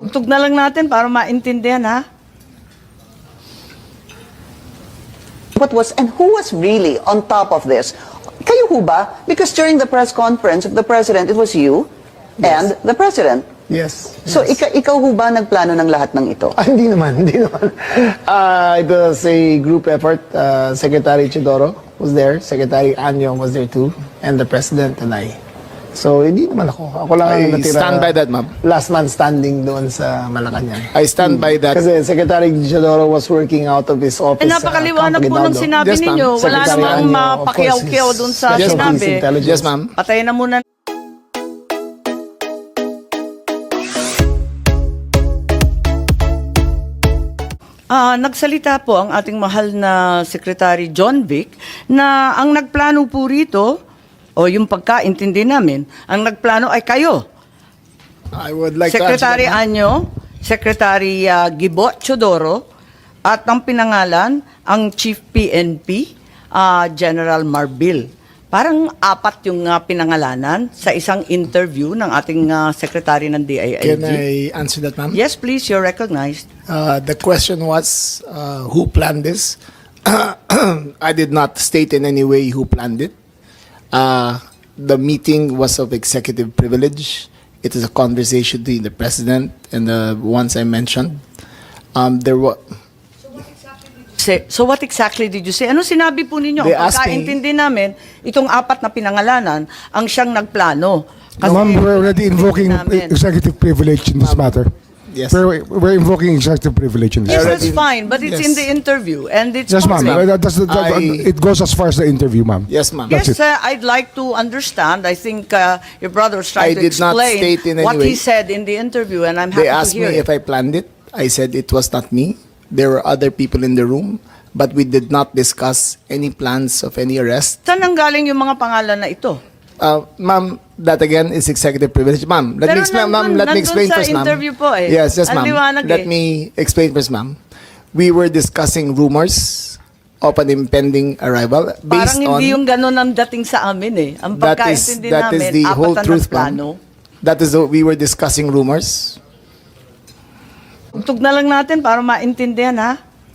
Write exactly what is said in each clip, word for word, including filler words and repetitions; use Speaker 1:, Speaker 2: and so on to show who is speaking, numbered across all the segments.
Speaker 1: Patugtog na lang natin para maintindihan, ha?
Speaker 2: What was and who was really on top of this? Kayo ho ba? Because during the press conference of the president, it was you and the president.
Speaker 3: Yes.
Speaker 2: So ika ikaw ho ba nagplano ng lahat ng ito?
Speaker 3: Ah, hindi naman, hindi naman. Uh, it was a group effort. Uh, Secretary Chidoro was there, Secretary Anyong was there too, and the President and I. So, hindi naman ako. Ako lang ang
Speaker 4: I
Speaker 3: natira.
Speaker 4: stand by that, ma'am.
Speaker 3: Last man standing doon sa Malacanang.
Speaker 4: I stand by that.
Speaker 3: Kasi Secretary Chidoro was working out of his office.
Speaker 1: Eh, napakaliwanag
Speaker 3: uh,
Speaker 1: po
Speaker 3: Campo
Speaker 1: ng
Speaker 3: Guinaldo.
Speaker 1: sinabi
Speaker 4: Yes, ma'am.
Speaker 1: ninyo. Wala
Speaker 3: Secretary
Speaker 1: namang
Speaker 3: Anyo, of course,
Speaker 1: mapakiyaw-kiyaw
Speaker 3: is
Speaker 1: dun sa
Speaker 3: Special
Speaker 1: sinabi.
Speaker 3: Police Intelligence.
Speaker 4: Yes, ma'am.
Speaker 1: Patayin na muna. Ah, nagsalita po ang ating mahal na Secretary John Vic na ang nagplano po rito, o yung pagkaintindi namin, ang nagplano ay kayo.
Speaker 4: I would like
Speaker 1: Secretary
Speaker 4: to answer that, ma'am.
Speaker 1: Anyo, Secretary uh, Gibo Chodoro, at ang pinangalan, ang Chief P N P, uh, General Marbil. Parang apat yung uh, pinangalanan sa isang interview ng ating uh, Secretary ng D I I G.
Speaker 4: Can I answer that, ma'am?
Speaker 1: Yes, please, you're recognized.
Speaker 4: Uh, the question was, uh, who planned this? I did not state in any way who planned it. Uh, the meeting was of executive privilege. It is a conversation between the president and the ones I mentioned. Um, there was.
Speaker 1: Say, so what exactly did you say? Ano sinabi po ninyo?
Speaker 4: They
Speaker 1: Ang
Speaker 4: asked me-
Speaker 1: pagkaintindi namin, itong apat na pinangalanan, ang siyang nagplano. Kasi
Speaker 5: Ma'am, we're already invoking
Speaker 1: namin.
Speaker 5: executive privilege in this matter.
Speaker 4: Yes.
Speaker 5: We're, we're invoking executive privilege in this.
Speaker 1: Yes,
Speaker 4: already-
Speaker 1: that's fine, but it's
Speaker 4: Yes.
Speaker 1: in the interview and it's
Speaker 5: Yes, ma'am.
Speaker 1: public.
Speaker 5: Uh, that's the- that-
Speaker 4: I-
Speaker 5: it goes as far as the interview, ma'am.
Speaker 4: Yes, ma'am.
Speaker 5: That's
Speaker 1: Yes,
Speaker 5: it.
Speaker 1: uh, I'd like to understand. I think uh, your brother was trying
Speaker 4: I
Speaker 1: to
Speaker 4: did not
Speaker 1: explain
Speaker 4: state in any
Speaker 1: what he
Speaker 4: way.
Speaker 1: said in the interview, and I'm happy
Speaker 4: They
Speaker 1: to
Speaker 4: asked
Speaker 1: hear
Speaker 4: me
Speaker 1: it.
Speaker 4: if I planned it. I said it was not me. There were other people in the room, but we did not discuss any plans of any arrest.
Speaker 1: Saan ang galing yung mga pangalan na ito?
Speaker 4: Uh, ma'am, that again is executive privilege. Ma'am, let
Speaker 1: Pero
Speaker 4: me explain, ma'am.
Speaker 1: nandun-
Speaker 4: Let me
Speaker 1: nandun
Speaker 4: explain
Speaker 1: sa
Speaker 4: first, ma'am.
Speaker 1: interview po eh.
Speaker 4: Yes, yes,
Speaker 1: Ang
Speaker 4: ma'am.
Speaker 1: liwanag
Speaker 4: Let
Speaker 1: eh.
Speaker 4: me explain first, ma'am. We were discussing rumors of an impending arrival based
Speaker 1: Parang
Speaker 4: on.
Speaker 1: hindi yung ganun ang dating sa amin eh. Ang
Speaker 4: that is
Speaker 1: pagkaintindi
Speaker 4: that
Speaker 1: namin,
Speaker 4: is the
Speaker 1: apat
Speaker 4: whole
Speaker 1: na
Speaker 4: truth,
Speaker 1: nagplano.
Speaker 4: ma'am. That is the, we were discussing rumors.
Speaker 1: Tugtog na lang natin para maintindihan, ha?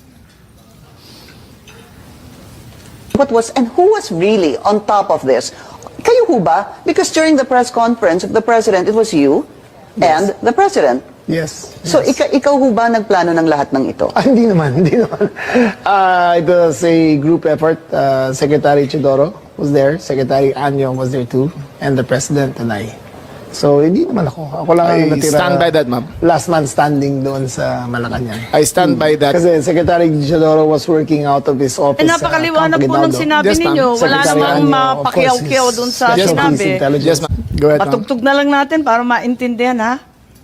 Speaker 2: What was and who was really on top of this? Kayo ho ba? Because during the press conference of the president, it was you and the president.
Speaker 3: Yes.
Speaker 2: So ika ikaw ho ba nagplano ng lahat ng ito?
Speaker 3: Ah, hindi naman, hindi naman. Uh, it was a group effort. Uh, Secretary Chidoro was there, Secretary Anyong was there too, and the President and I. So, hindi naman ako. Ako lang ang
Speaker 4: I
Speaker 3: natira.
Speaker 4: stand by that, ma'am.
Speaker 3: Last man standing doon sa Malacanang.
Speaker 4: I stand by that.
Speaker 3: Kasi Secretary Chidoro was working out of his office.
Speaker 1: Eh, napakaliwanag
Speaker 3: uh,
Speaker 1: po ng
Speaker 3: Campo Guinaldo.
Speaker 1: sinabi
Speaker 4: Yes, ma'am.
Speaker 1: ninyo. Wala
Speaker 3: Secretary
Speaker 1: namang
Speaker 3: Anyo, of course,
Speaker 1: mapakiyaw-kiyaw
Speaker 3: is
Speaker 1: dun sa
Speaker 3: Special
Speaker 4: Yes, ma'am.
Speaker 3: Police
Speaker 1: sinabi.
Speaker 3: Intelligence.
Speaker 4: Yes, ma'am. Go ahead, ma'am.
Speaker 1: Patugtog na lang natin para maintindihan, ha?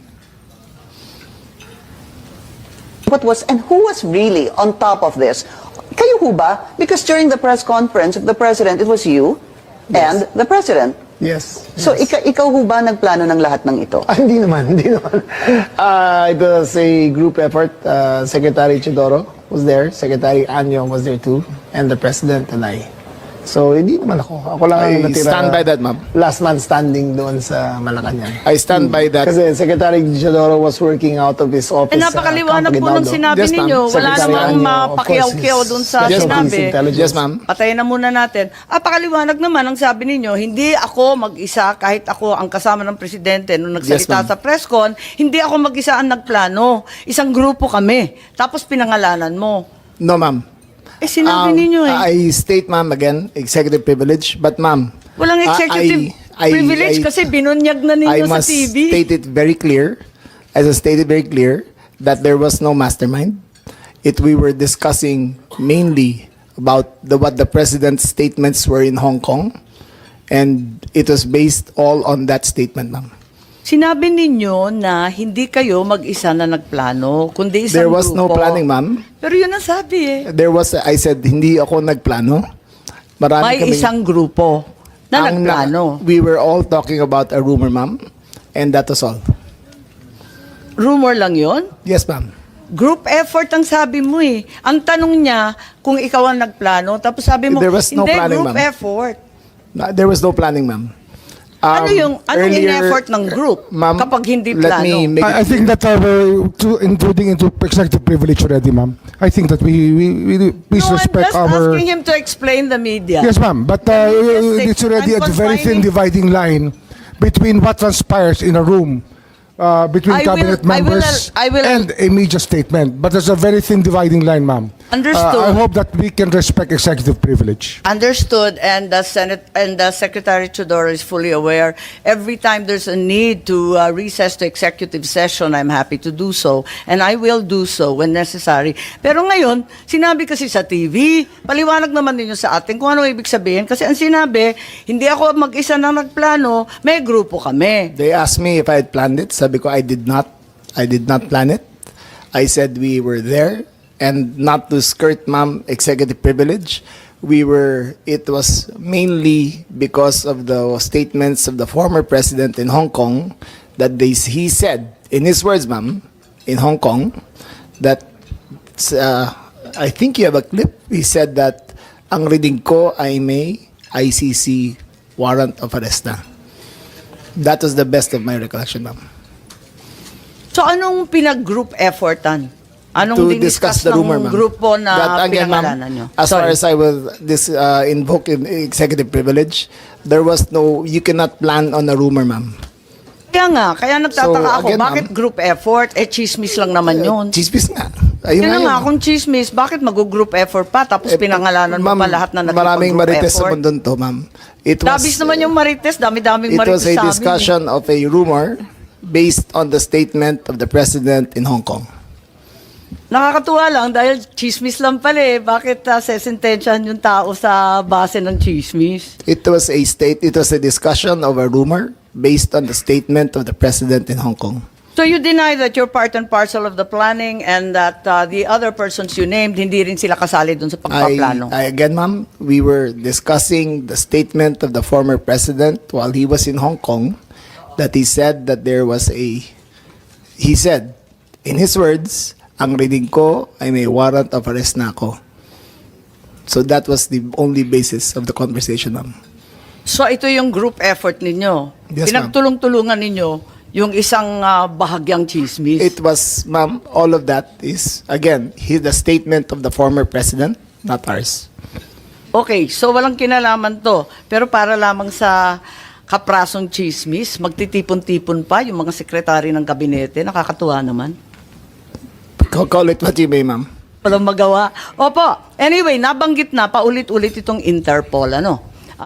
Speaker 2: What was and who was really on top of this? Kayo ho ba? Because during the press conference of the president, it was you and the president.
Speaker 3: Yes.
Speaker 2: So ika ikaw ho ba nagplano ng lahat ng ito?
Speaker 3: Ah, hindi naman, hindi naman. Uh, it was a group effort. Uh, Secretary Chidoro was there, Secretary Anyong was there too, and the President and I. So, hindi naman ako. Ako lang ang
Speaker 4: I
Speaker 3: natira.
Speaker 4: stand by that, ma'am.
Speaker 3: Last man standing doon sa Malacanang.
Speaker 4: I stand by that.
Speaker 3: Kasi Secretary Chidoro was working out of his office.
Speaker 1: Eh, napakaliwanag
Speaker 3: uh,
Speaker 1: po ng
Speaker 3: Campo Guinaldo.
Speaker 1: sinabi
Speaker 4: Yes, ma'am.
Speaker 1: ninyo. Wala
Speaker 3: Secretary
Speaker 1: namang
Speaker 3: Anyo, of
Speaker 1: mapakiyaw-kiyaw
Speaker 3: course, is
Speaker 1: dun sa
Speaker 3: Special Police
Speaker 1: sinabi.
Speaker 3: Intelligence.
Speaker 4: Yes, ma'am.
Speaker 1: Patayin na muna natin. Ah, pakaliwanag naman ang sabi ninyo, hindi ako mag-isa kahit ako ang kasama ng presidente nung nagsalita
Speaker 4: Yes, ma'am.
Speaker 1: sa press con, hindi ako mag-isa ang nagplano. Isang grupo kami. Tapos pinangalanan mo.
Speaker 4: No, ma'am.
Speaker 1: Eh, sinabi
Speaker 4: Um,
Speaker 1: ninyo eh.
Speaker 4: I state, ma'am, again, executive privilege. But, ma'am,
Speaker 1: Walang
Speaker 4: I-
Speaker 1: executive
Speaker 4: I-
Speaker 1: privilege
Speaker 4: I-
Speaker 1: kasi binunyag na
Speaker 4: I
Speaker 1: ninyo sa
Speaker 4: must
Speaker 1: T V.
Speaker 4: state it very clear, as I stated very clear, that there was no mastermind. It we were discussing mainly about the what the president's statements were in Hong Kong, and it was based all on that statement, ma'am.
Speaker 1: Sinabi ninyo na hindi kayo mag-isa na nagplano, kundi isang
Speaker 4: There was no
Speaker 1: grupo.
Speaker 4: planning, ma'am.
Speaker 1: Pero yun ang sabi eh.
Speaker 4: There was, I said, hindi ako nagplano. Marami
Speaker 1: May
Speaker 4: kaming-
Speaker 1: isang grupo na
Speaker 4: ang na-
Speaker 1: nagplano.
Speaker 4: We were all talking about a rumor, ma'am, and that was all.
Speaker 1: Rumor lang yon.
Speaker 4: Yes, ma'am.
Speaker 1: Group effort ang sabi mo eh. Ang tanong niya kung ikaw ang nagplano, tapos sabi mo,
Speaker 4: There was no
Speaker 1: hindi,
Speaker 4: planning,
Speaker 1: group
Speaker 4: ma'am.
Speaker 1: effort.
Speaker 4: No, There was no planning, ma'am.
Speaker 1: ano
Speaker 4: Um,
Speaker 1: yung anong
Speaker 4: earlier-
Speaker 1: in-effort ng group
Speaker 4: Ma'am,
Speaker 1: kapag hindi
Speaker 4: let
Speaker 1: plano?
Speaker 4: me make
Speaker 5: I, I think that uh, we're to, intruding into executive privilege already, ma'am. I think that we, we, we please
Speaker 1: no, I'm
Speaker 5: respect
Speaker 1: just
Speaker 5: our...
Speaker 1: asking him to explain the media.
Speaker 5: Yes, ma'am. But uh,
Speaker 1: Yes,
Speaker 5: it's already
Speaker 1: I'm
Speaker 5: a very thin
Speaker 1: confining-
Speaker 5: dividing line between what transpires in a room uh, between
Speaker 1: I will-
Speaker 5: cabinet
Speaker 1: I will-
Speaker 5: members
Speaker 1: I will-
Speaker 5: and a media statement. But there's a very thin dividing line, ma'am.
Speaker 1: Understood.
Speaker 5: Uh, I hope that we can respect executive privilege.
Speaker 1: Understood, and the Senate and the Secretary Chodoro is fully aware. Every time there's a need to uh, recess to executive session, I'm happy to do so, and I will do so when necessary. Pero ngayon, sinabi kasi sa T V, paliwanag naman ninyo sa atin kung ano ibig sabihin. Kasi ang sinabi, hindi ako mag-isa na nagplano, may grupo kami.
Speaker 4: They asked me if I had planned it. Sabi ko, I did not. I did not plan it. I said we were there, and not to skirt, ma'am, executive privilege. We were, it was mainly because of the statements of the former president in Hong Kong that they, he said, in his words, ma'am, in Hong Kong, that, uh, I think you have a clip, he said that, ang reading ko ay may I C C warrant of arrest na. That was the best of my recollection, ma'am.
Speaker 1: So anong pinag-group effortan? Anong
Speaker 4: To
Speaker 1: diniscuss
Speaker 4: discuss the rumor,
Speaker 1: ng
Speaker 4: ma'am.
Speaker 1: grupo na
Speaker 4: That, again, ma'am,
Speaker 1: pinangalanan nyo?
Speaker 4: as far
Speaker 1: Sorry.
Speaker 4: as I will this uh, invoke in executive privilege, there was no, you cannot plan on a rumor, ma'am.
Speaker 1: Kaya nga, kaya nagtataka
Speaker 4: So,
Speaker 1: ako,
Speaker 4: again,
Speaker 1: bakit
Speaker 4: ma'am,
Speaker 1: group effort? Eh, chismis lang naman yun.
Speaker 4: Chismis nga. Ayun
Speaker 1: Yun na
Speaker 4: nga
Speaker 1: nga,
Speaker 4: yun.
Speaker 1: kung chismis, bakit mag-group effort pa? Tapos
Speaker 4: Eh,
Speaker 1: pinangalanan mo
Speaker 4: ma'am,
Speaker 1: pa lahat na
Speaker 4: maraming
Speaker 1: nagpag-group
Speaker 4: marites sa
Speaker 1: effort.
Speaker 4: mundo to, ma'am. It was,
Speaker 1: Dabis naman yung marites, dami-daming
Speaker 4: it
Speaker 1: marites
Speaker 4: was
Speaker 1: sa
Speaker 4: a
Speaker 1: amin.
Speaker 4: discussion of a rumor based on the statement of the president in Hong Kong.
Speaker 1: Nakakatuwa lang dahil chismis lang pala eh. Bakit uh, sesentensyahan yung tao sa base ng chismis?
Speaker 4: It was a state, it was a discussion of a rumor based on the statement of the president in Hong Kong.
Speaker 1: So you deny that you're part and parcel of the planning and that uh, the other persons you named, hindi rin sila kasali dun sa
Speaker 4: I,
Speaker 1: pagpaplano?
Speaker 4: I again, ma'am, we were discussing the statement of the former president while he was in Hong Kong, that he said that there was a, he said, in his words, ang reading ko ay may warrant of arrest na ako. So that was the only basis of the conversation, ma'am.
Speaker 1: So ito yung group effort ninyo.
Speaker 4: Yes, ma'am.
Speaker 1: Pinagtulong-tulungan ninyo yung isang uh, bahagyang chismis.
Speaker 4: It was, ma'am, all of that is, again, he, the statement of the former president, not ours.
Speaker 1: Okay, so walang kinalaman to. Pero para lamang sa kaprasong chismis, magtitipon-tipon pa yung mga sekretary ng kabinete. Nakakatuwa naman.
Speaker 4: Call, call it what you may, ma'am.
Speaker 1: Walang magawa. Opo, anyway, nabanggit na paulit-ulit itong Interpol, ano?